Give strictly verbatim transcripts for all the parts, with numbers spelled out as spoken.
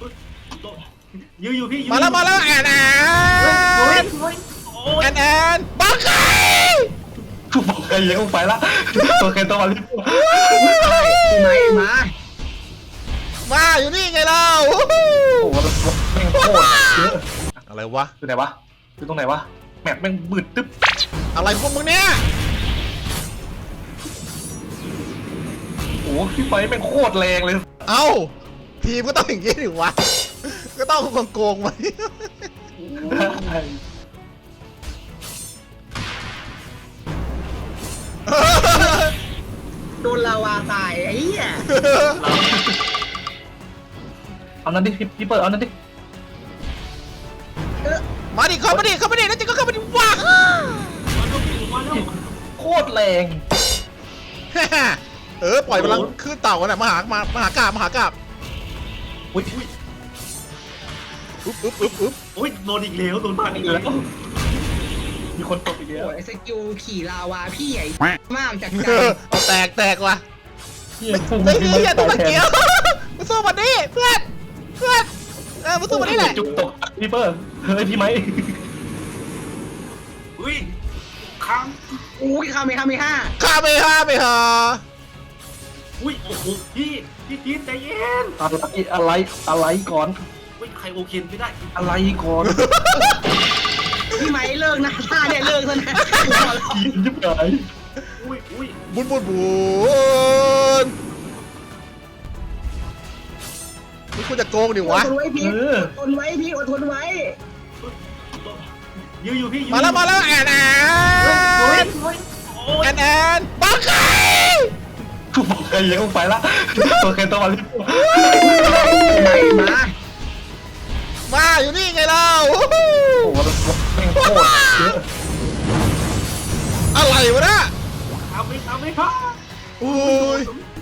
ยืนอยู่พี่มาแล้วมาแล้วแอนแอนแอนแอนบังไก่บอกใครยังต้องไปละตัวใครตัวมาลิบไหนมามาอยู่นี่ไงเราโอ้โหแม่งโคตรเยอะอะไรวะอยู่ไหนวะอยู่ตรงไหนวะแมปแม่งบืดตึ๊บอะไรพวกมึงเนี่ยโอ้พี่ไฟแม่งโคตรแรงเลยเอ้าทีมก็ต้องอย่างนี้ดิวะก็ต้องโกงๆไว้โดนลาวาตายไอ้เหี้ยเอานั้นดิพี่เปิดเอานั้นดิมาดิเข้ามาดิเข้ามาดิแล้วจะก็เข้ามาดิว้าโคตรแรงเออปล่อยพลังขึ้นเต่ากันนะมหามามหากาบมหากาบอุ้ยอุ๊บอุ๊บอุ๊บอุ๊บโอ้ยโดนอีกแล้วโดนพันอีกแล้วมีคนตกอีกแล้วโอ้ยสกิลขี่ลาวาพี่ใหญ่มากจากใจเอาแตกแตกว่ะไอ้เหี้ยตัวตะเกียบมาสู้มันดิเพื่อนเพื่อนเออมาสู้มันนี่แหละจุกตกพี่เปิร์เฮ้ยพี่ไหมอุ้ยค้างอุ้ยคาเมคาเมห้าข้าไปห้าไปหาอุ้ยโอ้โหพี่พี่พีทใจเย็นอะไรอะไรอะไรก่อนอุ้ยใครโอเคไม่ได้อะไรก่อนพี่ไหมเลิกนะท่าเนี่ยเลิกซะนะยิบหายอุ้ยอุ้ยบุญบุญบุญนี่คุณจะโกงดิวะอดทนไว้พี่อดทนไว้พี่อดทนไว้ยืนอยู่พี่มาแล้วมาแล้วแอนแอนแอนแอนบังไก่บอกใครยังต้องไปละตัวใครตัวมาลิบไหนมามาอยู่นี่ไงเราโอ้โหแม่งโคตรเยอะอะไรวะเนี่ยทำไม่ทำไม่พ่ออุ้ย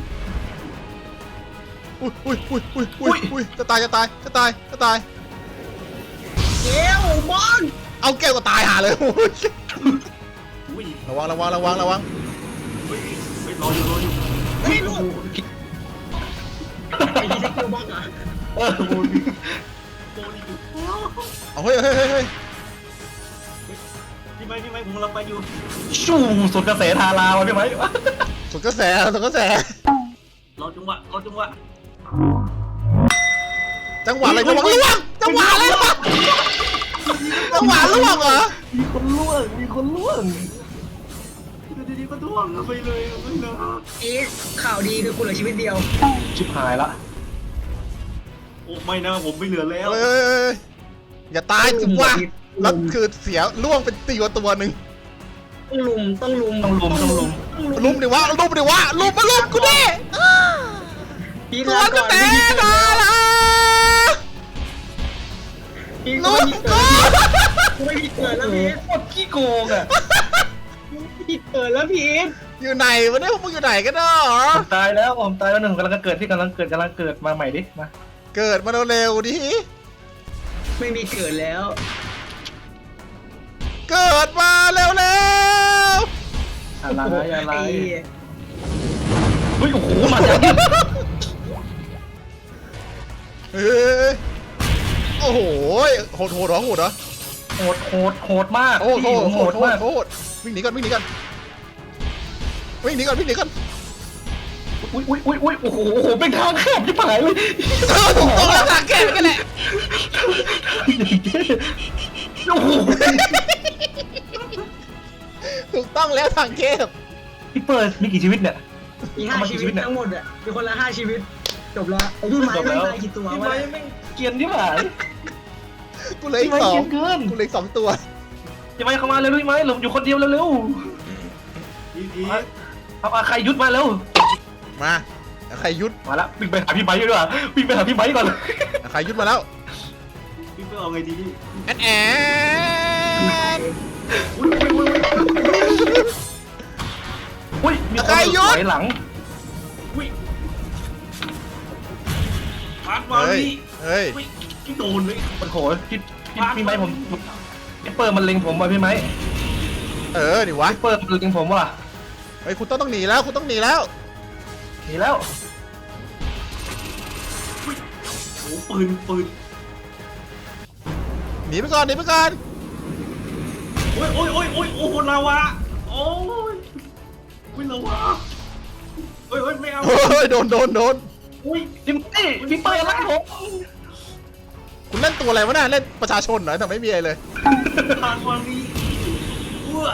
อุ้ยอุ้ยอุ้ยอุ้ยอุ้ยอุ้ยจะตายจะตายจะตายจะตายเกลบอลเอาแก้วก็ตายหาเลยอุ้ยระวังระวังระวังระวังเฮ้ยรออยู่รออยู่เฮ้ยลูกไอ้ที่เกลบอลอ่ะเออโบนโบนอยู่เอาเฮ้ยเฮ้ยเฮ้ยเฮ้ยพี่ไม้พี่ไม้ผมกำลังไปอยู่ชูสุดกระแสทาราวะพี่ไหมสุดกระแสสุดกระแสรอจังหวะรอจังหวะจังหวะอะไรจังหวะล่วงจังหวะอะไรวะจังหวะล่วงเหรอมีคนล่วงมีคนล่วงดีๆก็ล่วงไปเลยไม่เลยเอ๊ะข่าวดีคือคุณเหลือชีวิตเดียวชิบหายละโอ้ไม่นะผมไม่เหลือแล้วเฮ้ยอย่าตายจิ๋วะแล้วคือเสียล่วงเป็นตัวตัวหนึ่งต้องลุมต้องลุมต้องลุมต้องลุมลุมดิวะลุมดิวะลุมมาลุมกูดิตัวกระแตมาละลุมกูไม่ผิดเกิดแล้วพีทโคตรขี้โกงอ่ะผิดเกิดแล้วพีทอยู่ไหนวะเนี่ยพวกมึงอยู่ไหนกันเนาะตายแล้วผมตายแล้วหนึ่งกำลังเกิดที่กำลังเกิดกำลังเกิดมาใหม่ดิมาเกิดมาเร็วๆดิไม่มีเกิดแล้วเกิดมาเร็วๆอะไรอะไรเฮ้ยโอ้โหมาจากเฮ้ยโอ้โหโหดโหดเหรอโหดเหรอโหดโหดโหดมากโหดโหดโหดมากโหดวิ่งหนีก่อนวิ่งหนีก่อนวิ่งหนีก่อนวิ่งหนีก่อนอุ้ยอุ้ยอุ้ยอุ้ยโอ้โหโอ้โหเป็นทางแคบที่ผายเลยถูกต้องแล้วทางแคบกันแหละโอ้โหถูกต้องแล้วทางแคบพี่เปิร์มีกี่ชีวิตเนี่ยมีห้าชีวิตทั้งหมดอ่ะมีคนละห้าชีวิตจบแล้วไอ้พี่ไม้ไม่ตายกี่ตัววะพี่ไม้ไม่เกียนที่ผายกูเลยสองกูเลยสองตัวพี่ไม้เข้ามาเร็วพี่ไม้หลบอยู่คนเดียวเร็วๆเอาใครยุดมาเร็วมาใครยุดมาแล้ววิ่งไปหาพี่ไม้ดีกว่าวิ่งไปหาพี่ไม้ก่อนใครยุดมาแล้วพี่เอาไงดีแอนแอนอุ้ยมีคนถอยหลังอุ้ยพาดมาดิเฮ้ยพี่โดนเลยมันโหพี่พี่ไม้ผมพี่เปิร์มันเล็งผมว่ะพี่ไม้เออดิวะพี่เปิร์มันเล็งผมว่ะเฮ้ยคุณต้องต้องหนีแล้วคุณต้องหนีแล้วหนีแล้วปืนปืนหนีไปก่อนหนีไปก่อนโอ้ยโอ้ยโอ้ยโอ้ยโอ้โหลาวาโอ้ยโอ้ยลาวาโอ้ยโอ้ยไม่เอาโอ้ยโดนโดนโดนโอ้ยพี่ไม้พี่เปิ้ลรักผมคุณเล่นตัวอะไรวะน่ะเล่นประชาชนเหรอแต่ไม่มีอะไรเลยทางวันนี้อ้ว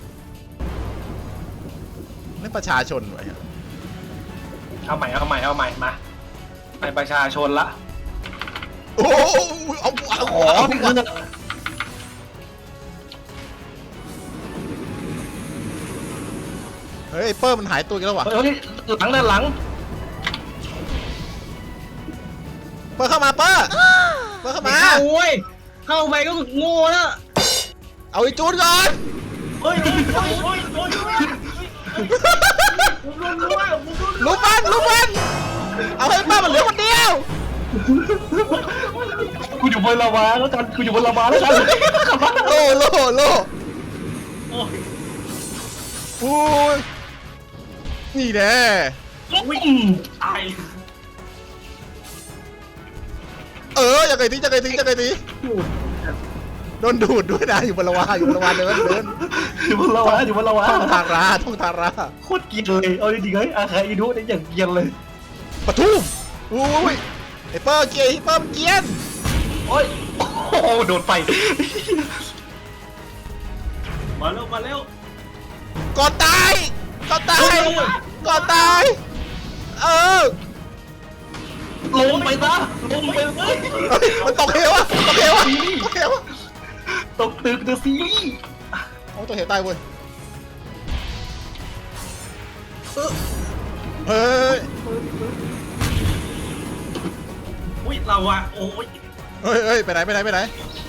เล่นประชาชนไว้อะเอาใหม่เอาใหม่เอาใหม่มาไปประชาชนละโอ้ยเอาเอาอ๋อเอานี่คือเฮ้ยไอ้เปิ้ลมันหายตัวกันแล้ววะเฮ้ยหลังด้านหลังเปิ้ลเข้ามาเปิ้ลเปิ้ลเข้าไม่มาเข้าเว้ยเข้าไปก็โง่แล้วเอาไอ้จูนก่อนโอ้ยโอ้ยโอ้ยโอ้ยโอ้ยผมโดนรั้วผมโดนลุกมันลุกมันเอาให้เปิ้ลมันเหลือคนเดียวกูอยู่บนลาวาแล้วกันกูอยู่บนลาวาแล้วกันโลโลโลโอ้ยโอ้ยนี่แน่วิ่งตายเออยังไงทียังไงทียังไงทีโดนดูดด้วยนะอยู่บนละวาอยู่บนละวาเดินเดินอยู่บนลาวาอยู่บนลาวาท่องทาราท่องทาราโคตรเกลียดเลยเอาจริงๆเฮ้ยอาคาอินุเนี่ยอย่างเกลียดเลยปะทุ่มอุ้ยไอ้เปิ้ลเกียร์ไอ้เปิ้ลเกียร์โอ้ยโอ้โหโดนไฟมาเร็วมาเร็วก่อนตายก่อนตายก่อนตายเออลงไปซะลงไปเลยเฮ้ยมันตกเหวอะตกเหวอะตกเหวอะตกตึกเดอะซีรีส์โอ้ตกเหวตายเว้ยเฮ้ยอุ้ยลาวาโอ้ยเฮ้ยเฮ้ยไปไหนไปไหนไปไหน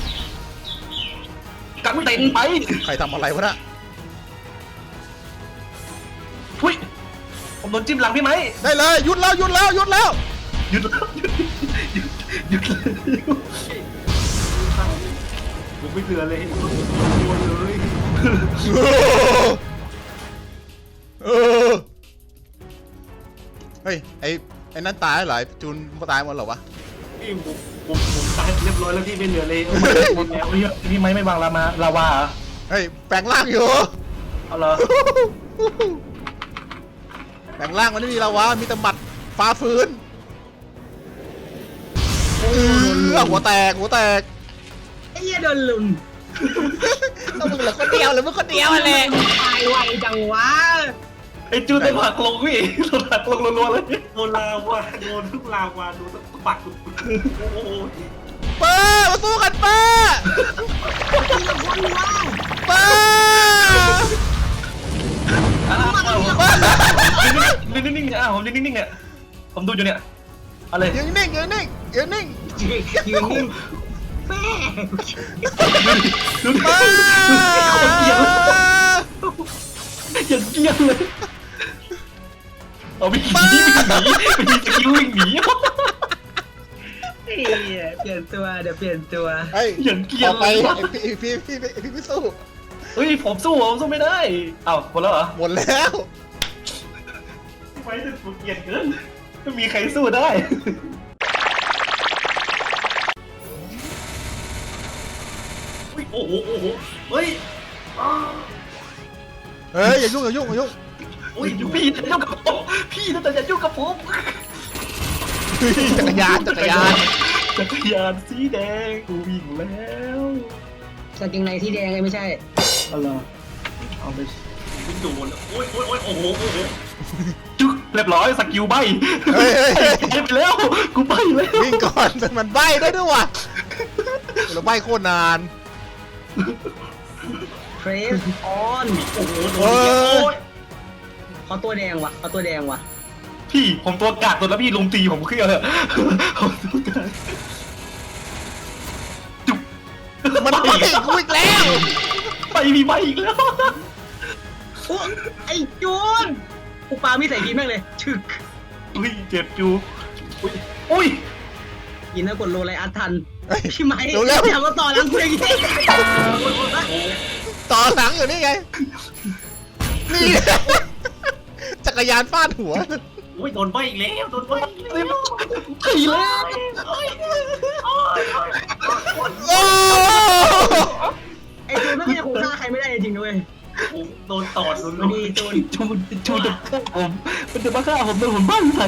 กันเต็นไปใครทำอะไรวะน่ะทุยผมโดนจิ้มหลังพี่ไหมได้เลยหยุดแล้วหยุดแล้วหยุดแล้วหยุดแล้วหยุดหยุดหยุดเลยผมไม่เหลือเลยโดนเลยเออเฮ้ยไอ้ไอ้นั่นตายเหรอไอ้จูนตายหมดเหรอวะพี่ผมผมผมตายเรียบร้อยแล้วพี่ไม่เหลือเลยหมดแล้วพี่พี่ไหมไม่วางลามาลาวาเหรอเฮ้ยแปลงร่างอยู่เอาเหรอแปลงร่างมันไม่มีแล้ววะมีแต่หมัดฟ้าฟื้นเออหัวแตกหัวแตกไอ้เหี้ยโดนลุมต้องมึงเหลือคนเดียวหรือมึงคนเดียวอะไรตายไวจังวะไอ้จูนได้ผักลงพี่โดนผักลงรัวๆเลยโดนลาวาโดนทุกลาวาโดนทุกปักโอ้โหเปิ้ลมาสู้กันเปิ้ลเปิ้ลนิ่งนิ่งๆอ่ะผมนิ่งนิ่งๆเนี่ยผมดูอยู่เนี่ยอะไรยืนนิ่งยืนนิ่งยืนนิ่งยืนนิ่งแม่ดูดิเปิ้ลคนเกลียดอย่างเกลียดเลยเอาวิ่งหนีวิ่งหนีมีสกิลวิ่งหนีเฮ้ยเปลี่ยนตัวเดี๋ยวเปลี่ยนตัวเฮ้ยอย่างเกลียต่ดอไปเลยไอ้พี่พี่พี่พี่พี่พี่สู้เฮ้ยผมสู้ผมสู้ไม่ได้เอ้าหมดแล้วเหรอหมดแล้วไม่ได้ผมเกลียดเกินไม่มีใครสู้ได้โอ้โหโอ้โหเฮ้ยเฮ้ยอย่ายุ่งอย่ายุ่งอย่ายุ่งอุ้ยพี่จะยุ่งกับผมพี่จะอย่ายุ่งกับผมเฮ้ยจักรยานจักรยานจักรยานสีแดงกูวิ่งแล้วกางเกงในที่แดงไงไม่ใช่อะไรเอาไปวิ่งโดนโอ้ยโอ้ยโอ้ยโอ้โหโอ้โหจุ๊กเรียบร้อยสกิลใบเฮ้ยเฮ้ยเฮ้ยไปไปแล้วกูใบแล้ววิ่งก่อนแต่มันใบได้ด้วยว่ะเราใบโคตรนานเทรสออนโอ้โหโดเฮ้นยโอ้ยเขาตัวแดงว่ะเขาตัวแดงว่ะพี่ผมตัวกาดตัวแล้วพี่ลุมตีผมเครียดเลยผมตัวกาดจุ๊บมันใบกูอีกแล้วไปมีใบอีกแล้วโอ้ไอ้จูนกูปามีใส่ทีแม่งเลยฉึกอุ้ยเจ็บจูอุ้ยอุ้ยยินนะกดโลไลอัดทันเฮ้ยพี่ไม้เร็วเร็วอย่ามาต่อหลังกูอย่างนี้ต่อหลังอยู่นี่ไงนี่จักรยานฟาดหัวอุ้ยโดนใบอีกแล้วโดนใบอีกแล้วขี่แล้วโอ้ยโอ้ยโอ้ยโอ้ไอ้จูนไม่งยังคงฆ่าใครไม่ได้จริงๆด้วยโดนตอดโดนวันนี้จูนจูนจูนจะฆ่าผมมันจะมาฆ่าผมโดนผมบ้านใส่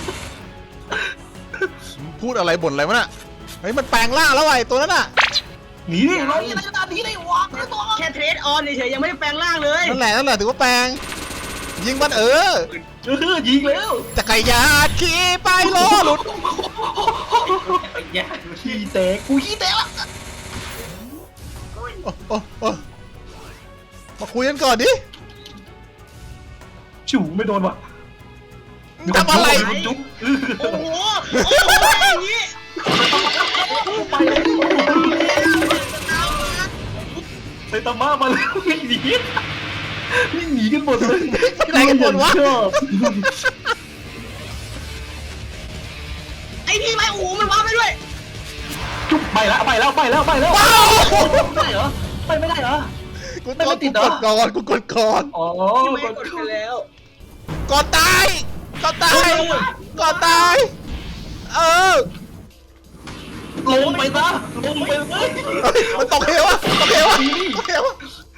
พูดอะไรบ่นอะไรวะน่ะเฮ้ยมันแปลงร่างแล้วไอ้ตัวนั้นน่ะหนีดิเราอะไรขนาดนี้ได้วะแค่เทรดออนเฉยๆยังไม่ได้แปลงร่างเลยนั่นแหละนั่นแหละถือว่าแปลงยิงมันเออเออยิงแล้วจักรยานขี่ไปล้อหลุดไอ้ยาขี่แตกกูขี่แตกละโอ้โอ้โอ้มาคุยกันก่อนดิชูไม่โดนว่ะทำอะไรจุ๊บโอ้โหโอ้โหอย่างนี้ไปเลยไซตามะมาแล้ววิ่งหนีวิ่งหนีกันหมดเลยไปไหนกันหมดวะชอบไอ้พี่ไม้โอ้โหมันว้าไปด้วยจุ๊บไปแล้วไปแล้วไปแล้วไปแล้วว้าวไม่ได้เหรอไปไม่ได้เหรอกูไม่กไม่ดติกูดเหรกอดก่อนกูกดก่อนอ๋อพี่ไม้กกดดไปแล้วก่อนตายก่อนตายก่อนตายเออลงไปซะลงไปเฮ้ยมันตกเหวอะตกเหวอะตกเหวอะ